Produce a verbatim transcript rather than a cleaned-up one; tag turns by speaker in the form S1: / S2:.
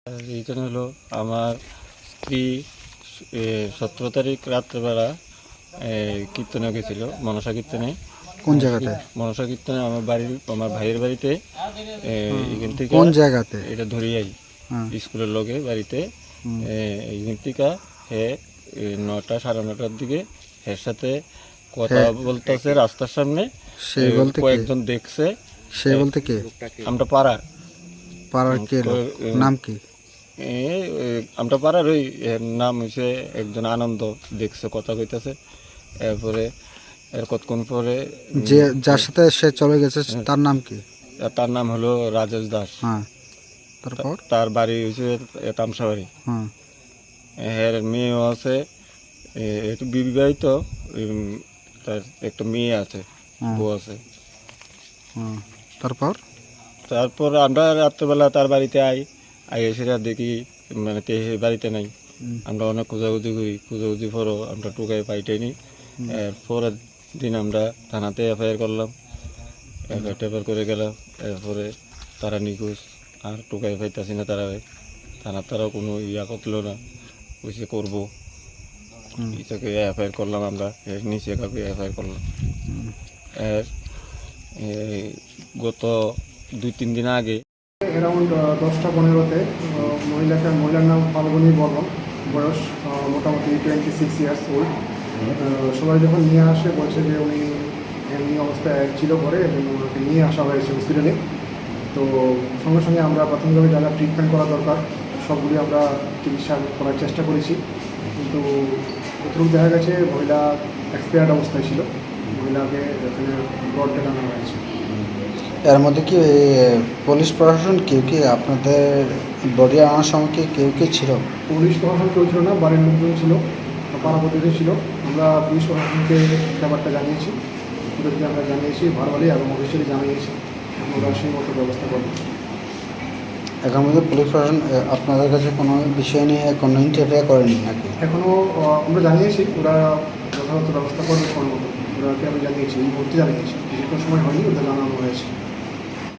S1: Reason হলো আমার স্ত্রী সতেরো তারিখ রাত্রেবেলা কীর্তনে গেছিল, মনসা কীর্তনে।
S2: কোন জায়গাতে?
S1: মনসা কীর্তনে আমার বাড়ির আমার ভাইয়ের বাড়িতে। এখান থেকে
S2: কোন জায়গাতে?
S1: এটা ধরিয়াই স্কুলের লোকে বাড়িতে। এইখান থেকে হে নটা সাড়ে নটার দিকে এর সাথে কথা বলতেছে রাস্তার সামনে।
S2: সে বলতে
S1: কয়েকজন দেখছে।
S2: সে বলতে কে?
S1: আমরা পাড়া
S2: পাড়ার কে? নাম কি?
S1: আমরা পাড়ার ওই নাম হয়েছে একজন আনন্দ, দেখছে কথা কইতেছে। এরপরে এর কতক্ষণ পরে
S2: যে যার সাথে সে চলে গেছে তার নাম কি?
S1: তার নাম হলো রাজেশ দাস।
S2: হ্যাঁ, তারপর
S1: তার বাড়ি হয়েছে তামসাবাড়ি।
S2: হ্যাঁ,
S1: এর মেয়েও আছে, একটু বিবাহিত। তার একটা মেয়ে আছে, বউ আছে।
S2: তারপর
S1: তারপর আমরা রাত্রেবেলা তার বাড়িতে আই আই সেটা দেখি মানে বাড়িতে নাই। আমরা অনেক খোঁজাখুঁজি করি, খোঁজাখুঁজি পরও আমরা টুকাই পাইটাইনি। এর পরের দিন আমরা থানাতে এফআইআর করলাম, এফআইআর টেফার করে গেলাম। এরপরে তারা নিখোঁজ, আর টুকাই পাইতেছি না। তারা থানার তারা কোনো ইয়া করল না, বুঝে করবো এটাকে এফআইআর করলাম। আমরা এর নিচে কাউকে এফআইআর করলাম। এর গত দুই তিন দিন আগে
S3: অ্যারাউন্ড দশটা পনেরোতে মহিলাকে মহিলার নাম ফাল্গুনী বর্মন, বয়স মোটামুটি টোয়েন্টি সিক্স ইয়ার্স ওল্ড। সবাই যখন নিয়ে আসে বলছে যে উনি এমনি অবস্থায় ছিল ঘরে এবং ওনাকে নিয়ে আসা হয়েছে হসপিটালে। তো সঙ্গে সঙ্গে আমরা প্রাথমিকভাবে যা যা ট্রিটমেন্ট করা দরকার সবগুলি আমরা চিকিৎসা করার চেষ্টা করেছি, কিন্তু প্রথম দেখা গেছে মহিলা এক্সপায়ার্ড অবস্থায় ছিল। মহিলাকে এখানে ব্লড টানানো হয়েছে।
S2: এর মধ্যে কি পুলিশ প্রশাসন কেউ কি আপনাদের বডি আনার সময় কি কেউ কি ছিল?
S3: পুলিশ প্রশাসন কেউ ছিল না, বাড়ির লোকজন ছিল, পাড়া প্রতিবেশী ছিল। আমরা পুলিশ প্রশাসনকে ব্যাপারটা জানিয়েছি, ওদেরকে আমরা জানিয়েছি ভারবালি এবং অফিসিয়ালি জানিয়েছি। ওরা সেই মতো ব্যবস্থা করবে।
S2: এখন মধ্যে পুলিশ প্রশাসন আপনাদের কাছে কোনো বিষয় নিয়ে কোনো ইন্টারফেয়ার করেনি নাকি?
S3: এখনও আমরা জানিয়েছি, ওরা যথাযথ ব্যবস্থা করবে কোনো মতো। ওরাকে আমি জানিয়েছি, এই মুহূর্তে জানিয়েছি, বেশিক্ষণ সময় হয়নি, ওদের জানানো হয়েছে।